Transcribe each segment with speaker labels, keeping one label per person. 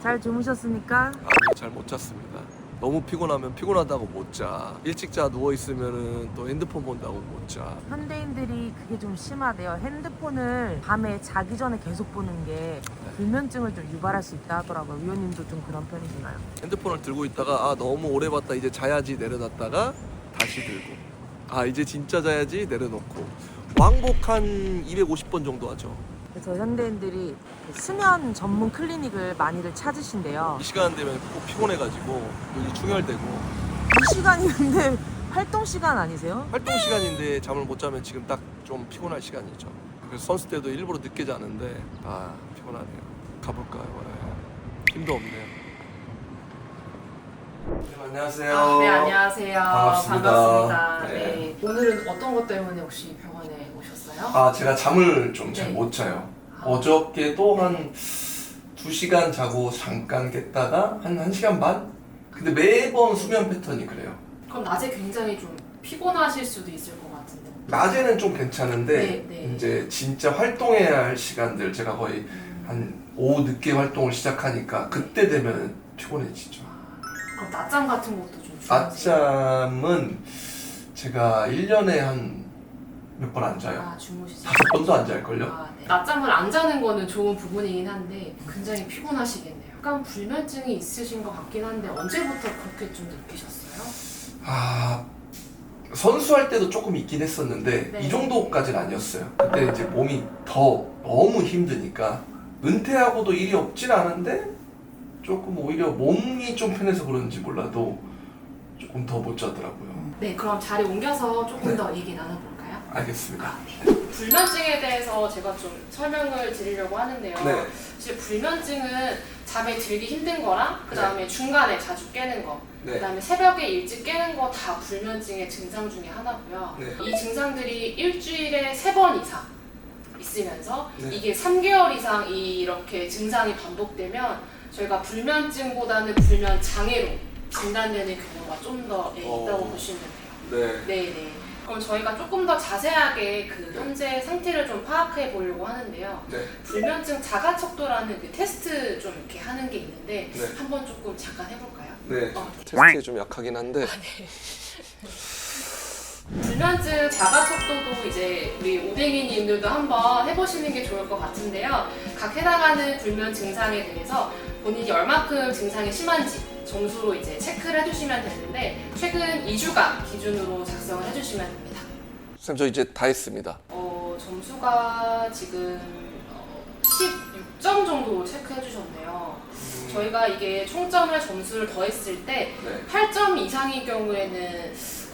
Speaker 1: 잘 주무셨습니까?
Speaker 2: 아니 잘 못 잤습니다. 너무 피곤하면 피곤하다고 못 자. 일찍 자 누워 있으면은 또 핸드폰 본다고 못 자.
Speaker 1: 현대인들이 그게 좀 심하대요. 핸드폰을 밤에 자기 전에 계속 보는 게 불면증을 좀 유발할 수 있다 하더라고요. 위원님도 좀 그런 편이신가요?
Speaker 2: 핸드폰을 들고 있다가 아 너무 오래 봤다 이제 자야지 내려놨다가 다시 들고 아 이제 진짜 자야지 내려놓고 왕복 한 250번 정도 하죠.
Speaker 1: 그래서 현대인들이 수면 전문 클리닉을 많이들 찾으신대요.
Speaker 2: 이 시간 되면 꼭 피곤해가지고 눈이 충혈되고
Speaker 1: 이 시간인데 활동 시간 아니세요?
Speaker 2: 활동 시간인데 잠을 못 자면 지금 딱 좀 피곤할 시간이죠. 그래서 선수 때도 일부러 늦게 자는데 아 피곤하네요. 가볼까요? 네. 힘도 없네요. 네, 안녕하세요.
Speaker 3: 네, 안녕하세요.
Speaker 2: 반갑습니다.
Speaker 3: 반갑습니다.
Speaker 2: 네.
Speaker 3: 네. 오늘은 어떤 것 때문에 혹시 병원에 오셨어요?
Speaker 2: 아 제가 잠을 좀 잘
Speaker 3: 네.
Speaker 2: 못 자요. 어저께도 한 2시간 자고 잠깐 깼다가 한 1시간 반? 근데 매번 수면 패턴이 그래요.
Speaker 3: 그럼 낮에 굉장히 좀 피곤하실 수도 있을 것 같은데.
Speaker 2: 낮에는 좀 괜찮은데
Speaker 3: 네, 네.
Speaker 2: 이제 진짜 활동해야 할 시간들 제가 거의 한 오후 늦게 활동을 시작하니까 그때 되면 피곤해지죠.
Speaker 3: 그럼 낮잠 같은 것도 좀 주무세요?
Speaker 2: 낮잠은 제가 1년에 한 몇 번 안 자요.
Speaker 3: 아, 주무시죠?
Speaker 2: 5번도 안 잘걸요?
Speaker 3: 아, 네. 낮잠을 안 자는 거는 좋은 부분이긴 한데 굉장히 피곤하시겠네요. 약간 불면증이 있으신 것 같긴 한데 언제부터 그렇게 좀 느끼셨어요?
Speaker 2: 아 선수할 때도 조금 있긴 했었는데
Speaker 3: 네.
Speaker 2: 이 정도까지는 아니었어요. 그때 이제 몸이 더 너무 힘드니까 은퇴하고도 일이 없진 않은데 조금 오히려 몸이 좀 편해서 그런지 몰라도 조금 더 못 자더라고요.
Speaker 3: 네, 그럼 자리 옮겨서 조금
Speaker 2: 네.
Speaker 3: 더 얘기 나눠볼까요?
Speaker 2: 알겠습니다.
Speaker 3: 불면증에 대해서 제가 좀 설명을 드리려고 하는데요.
Speaker 2: 네.
Speaker 3: 사실 불면증은 잠에 들기 힘든 거랑 그 다음에 중간에 자주 깨는 거,
Speaker 2: 네.
Speaker 3: 그 다음에 새벽에 일찍 깨는 거 다 불면증의 증상 중에 하나고요.
Speaker 2: 네.
Speaker 3: 이 증상들이 일주일에 3번 이상 있으면서
Speaker 2: 네.
Speaker 3: 이게 3개월 이상 이렇게 증상이 반복되면 저희가 불면증보다는 불면장애로 진단되는 경우가 좀 더 있다고 보시면 돼요.
Speaker 2: 네.
Speaker 3: 네네. 그럼 저희가 조금 더 자세하게 그 현재 상태를 좀 파악해 보려고 하는데요.
Speaker 2: 네.
Speaker 3: 불면증 자가척도라는 그 테스트 좀 이렇게 하는 게 있는데
Speaker 2: 네.
Speaker 3: 한번 조금 잠깐 해볼까요?
Speaker 2: 네.
Speaker 3: 네.
Speaker 2: 테스트에 좀 약하긴 한데
Speaker 3: 불면증 자가척도도 이제 우리 오뎅이님들도 한번 해보시는 게 좋을 것 같은데요. 각 해당하는 불면 증상에 대해서 본인이 얼마큼 증상이 심한지 점수로 이제 체크를 해주시면 되는데 최근 2주간 기준으로 작성을 해주시면 됩니다.
Speaker 2: 선생님 저 이제 다 했습니다.
Speaker 3: 점수가 지금 16점 정도 체크해 주셨네요. 저희가 이게 총점을 점수를 더했을 때
Speaker 2: 네.
Speaker 3: 8점 이상인 경우에는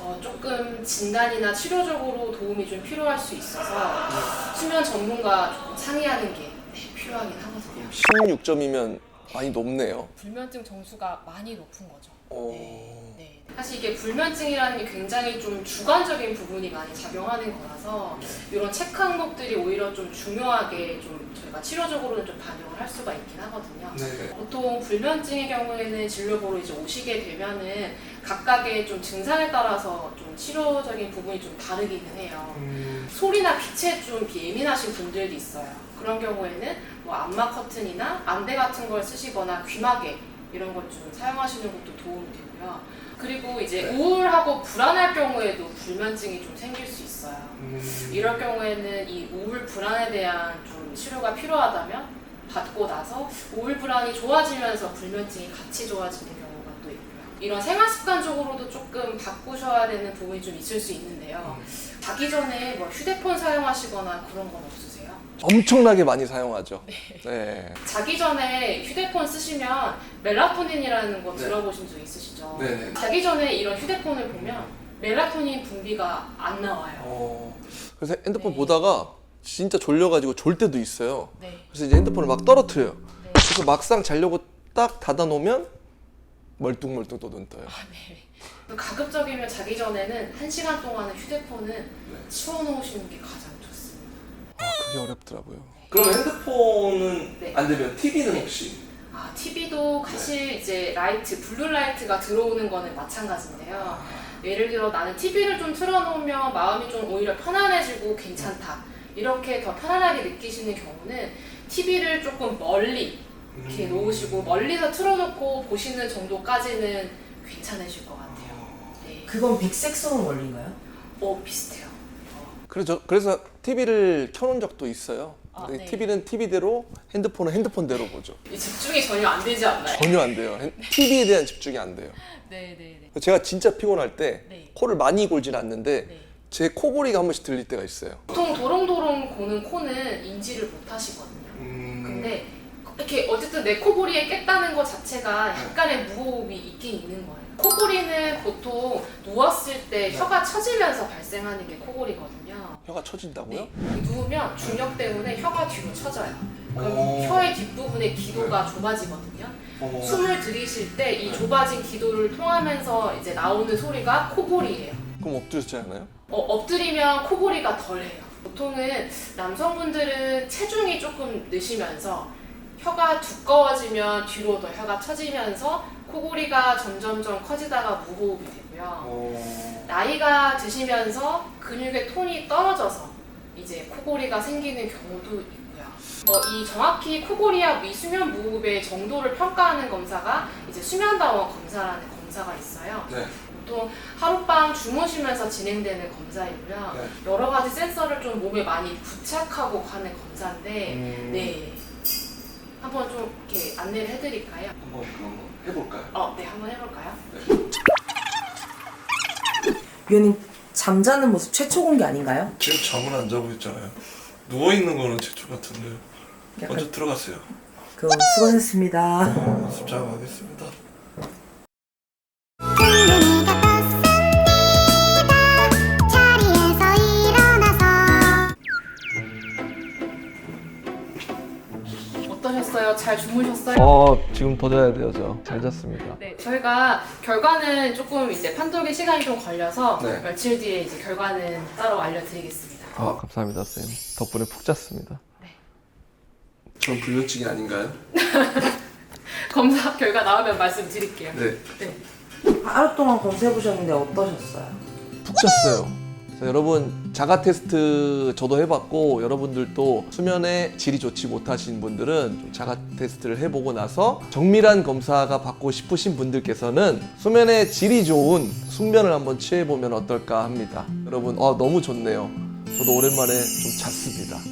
Speaker 3: 조금 진단이나 치료적으로 도움이 좀 필요할 수 있어서 수면 전문가 조금 상의하는 게 필요하긴 하거든요.
Speaker 2: 16점이면 많이 높네요.
Speaker 3: 불면증 점수가 많이 높은 거죠.
Speaker 2: 오.
Speaker 3: 네. 사실 이게 불면증이라는 게 굉장히 좀 주관적인 부분이 많이 작용하는 거라서 이런 체크 항목들이 오히려 좀 중요하게 좀 저희가 치료적으로는 좀 반영을 할 수가 있긴 하거든요.
Speaker 2: 네네.
Speaker 3: 보통 불면증의 경우에는 진료보러 이제 오시게 되면은 각각의 좀 증상에 따라서 좀 치료적인 부분이 좀 다르기는 해요. 소리나 빛에 좀 예민하신 분들도 있어요. 그런 경우에는 뭐 안마 커튼이나 안대 같은 걸 쓰시거나 귀마개 이런 것 좀 사용하시는 것도 도움이 되고요. 그리고 이제
Speaker 2: 네.
Speaker 3: 우울하고 불안할 경우에도 불면증이 좀 생길 수 있어요. 이럴 경우에는 이 우울 불안에 대한 좀 치료가 필요하다면 받고 나서 우울 불안이 좋아지면서 불면증이 같이 좋아지는 경우가 또 있고요. 이런 생활 습관적으로도 조금 바꾸셔야 되는 부분이 좀 있을 수 있는데요. 자기 전에 뭐 휴대폰 사용하시거나 그런 건 없으세요?
Speaker 2: 엄청나게 많이 사용하죠. 네.
Speaker 3: 자기 전에 휴대폰 쓰시면 멜라토닌이라는 거
Speaker 2: 네.
Speaker 3: 들어보신 적 있으시죠?
Speaker 2: 네네.
Speaker 3: 자기 전에 이런 휴대폰을 보면 멜라토닌 분비가 안 나와요.
Speaker 2: 그래서 핸드폰
Speaker 3: 네.
Speaker 2: 보다가 진짜 졸려가지고 졸 때도 있어요.
Speaker 3: 네.
Speaker 2: 그래서 이제 핸드폰을 막 떨어뜨려요.
Speaker 3: 네.
Speaker 2: 그래서 막상 자려고 딱 닫아놓으면 멀뚱멀뚱 또 눈 떠요.
Speaker 3: 네. 가급적이면 자기 전에는 1시간 동안은 휴대폰은 치워놓으시는 게 가장 좋습니다.
Speaker 2: 아 그게 어렵더라고요. 그럼 핸드폰은
Speaker 3: 네.
Speaker 2: 안 되면 TV는 혹시?
Speaker 3: TV도 사실 이제 라이트, 블루 라이트가 들어오는 거는 마찬가지인데요. 예를 들어 나는 TV를 좀 틀어놓으면 마음이 좀 오히려 편안해지고 괜찮다. 이렇게 더 편안하게 느끼시는 경우는 TV를 조금 멀리 이렇게 놓으시고 멀리서 틀어놓고 보시는 정도까지는 괜찮으실 것 같아요. 네.
Speaker 1: 그건 백색소음 원리인가요?
Speaker 3: 비슷해요.
Speaker 2: 그래서 TV를 켜놓은 적도 있어요.
Speaker 3: 아,
Speaker 2: 근데
Speaker 3: 네.
Speaker 2: TV는 TV대로, 핸드폰은 핸드폰대로 보죠.
Speaker 3: 이 집중이 전혀 안 되지 않나요?
Speaker 2: 전혀 안 돼요. TV에 대한 집중이 안 돼요.
Speaker 3: 네네네.
Speaker 2: 제가 진짜 피곤할 때
Speaker 3: 네.
Speaker 2: 코를 많이 골진 않는데
Speaker 3: 네.
Speaker 2: 제 코골이가 한 번씩 들릴 때가 있어요.
Speaker 3: 보통 도롱도롱 고는 코는 인지를 못 하시거든요. 근데 이렇게 어쨌든 내 코골이에 깼다는 것 자체가 약간의 무호흡이 있긴 있는 거예요. 코골이는 보통 누웠을 때 혀가 처지면서 발생하는 게 코골이거든요.
Speaker 2: 혀가 처진다고요?
Speaker 3: 네. 누우면 중력 때문에 혀가 뒤로 처져요. 그럼
Speaker 2: 오.
Speaker 3: 혀의 뒷부분에 기도가 좁아지거든요. 숨을 들이쉴 때 이 좁아진 기도를 통하면서 이제 나오는 소리가 코골이에요.
Speaker 2: 그럼 엎드려서 자야 하나요?
Speaker 3: 엎드리면 코골이가 덜해요. 보통은 남성분들은 체중이 조금 느시면서 혀가 두꺼워지면 뒤로 더 혀가 처지면서 코골이가 점점점 커지다가 무호흡이 되고요. 나이가 드시면서 근육의 톤이 떨어져서 이제 코골이가 생기는 경우도 있고요. 이 정확히 코골이와 미수면 무호흡의 정도를 평가하는 검사가 이제 수면다원 검사라는 검사가 있어요.
Speaker 2: 네.
Speaker 3: 보통 하룻밤 주무시면서 진행되는 검사이고요.
Speaker 2: 네.
Speaker 3: 여러 가지 센서를 좀 몸에 많이 부착하고 가는 검사인데, 네. 한번 좀 이렇게 안내를 해드릴까요?
Speaker 2: 한번 그럼 해볼까요?
Speaker 3: 네, 한번 해볼까요?
Speaker 1: 위원님 잠자는 모습 최초 공개 아닌가요?
Speaker 2: 지금 잠은 안 자고 있잖아요. 누워있는 거는 최초 같은데 먼저 들어갔어요.
Speaker 1: 그럼 수고하셨습니다.
Speaker 2: 습작하겠습니다.
Speaker 3: 어떠셨어요? 잘 주무셨어요?
Speaker 2: 지금 더 자야 돼요. 저 잘 잤습니다.
Speaker 3: 네, 저희가 결과는 조금 이제 판독의 시간이 좀 걸려서
Speaker 2: 네.
Speaker 3: 며칠 뒤에 이제 결과는 따로 알려드리겠습니다.
Speaker 2: 감사합니다, 쌤. 덕분에 푹 잤습니다.
Speaker 3: 네.
Speaker 2: 전 불면증이 아닌가요?
Speaker 3: 검사 결과 나오면 말씀드릴게요.
Speaker 2: 네.
Speaker 3: 네.
Speaker 1: 하루 동안 검사해보셨는데 어떠셨어요?
Speaker 2: 푹 잤어요. 여러분 자가 테스트 저도 해봤고 여러분들도 수면의 질이 좋지 못하신 분들은 좀 자가 테스트를 해보고 나서 정밀한 검사가 받고 싶으신 분들께서는 수면의 질이 좋은 숙면을 한번 취해보면 어떨까 합니다. 여러분 너무 좋네요. 저도 오랜만에 좀 잤습니다.